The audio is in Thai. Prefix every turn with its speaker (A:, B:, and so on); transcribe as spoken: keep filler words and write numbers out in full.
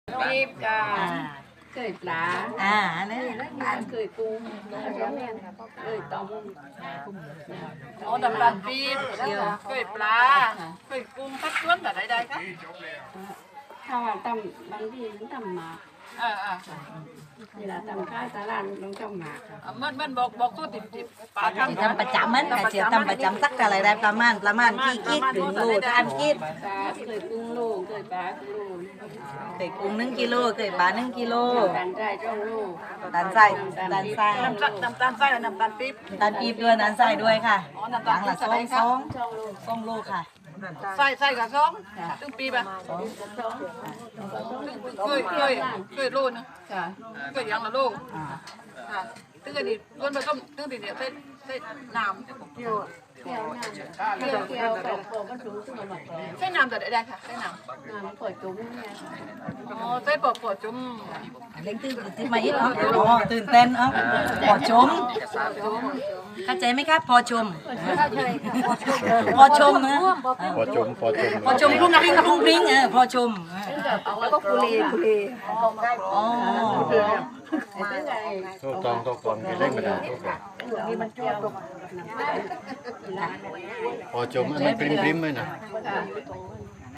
A: รีบจ้า
B: อ่า
A: เคยปลา
B: อ่านี่
A: อันเคยกุ้งเคยต้ม
C: อ๋อน้ำตาลปี๊บเคยปลาเคยกุ้งทักชวนแต่ใดๆครับ
A: ถ้าว่าตำบางทีมันตำหมาก
C: เออเออ
A: เวลาตำข้าวตาลานต้องตำหมาก
C: มันมันบอกบอกตัวติดติดปลาทำ
B: ทำประจำมันกะเจียวทำประจำสักอะไรได้ประมาณประมาณกี่กิดถึงโลทานกิด
A: ปลาเคยกุ้งลูกเคยปลากุ้งลูก
B: เคยกุ้งหนึ่งกิโลเคยปลาหนึ่งกิโล
A: การได้จ้องลูก
B: ตาลไส้ตาลไส้
C: น้ำตาลน้ำตาลไส้น้ำตาลปี๊บ
B: ตาลปี๊บด้วยน้ำไส้ด้วยค่ะ
C: อ๋อน้ำ
B: อ
C: ตาล
B: ย่างละสองสองสองโลค่ะ
C: ไส้ไส้กับซองตึ้งปี๊บอ่ะ
B: สอง
C: เคยเคยเคยโลนึง
A: ค่ะ
C: เคยยังละโล
B: อ่า
C: ค่ะตึ้งอันนี้ล้วนผสมตึ้งตีเดียวใส่ใส่น้ำ
A: เกี่ยวเกี่ยวน้ำเกี่ยวเกี่ยวกับโปก็สูงขึ้นมาหน่อย
C: ใส่น้ำแต่ใดๆค่ะใส่น้
A: น้ำปวดจุ้มเนี่ย
C: ำอ๋อใส่ปอดปอดจุ่ม
B: เล็กตื่นตื่นมาอีกเนาะอ๋อตื่นเต้นเอ้าพอชมเข้าใจไหมครับพอชมพอชมนะ
D: พอจมพอจม
B: พอชมพรุ่งพริ้งพรุ่งพริ้งเออพอชม
A: แล้วก็กุลีกุลี
B: อ๋อ
D: ทุกตองทุกตองไปเล่นมาได้ทุกตอง
A: นี่มันเกี่ยวกับ
D: พอจมอันนั้นปริมปริมไหมนะ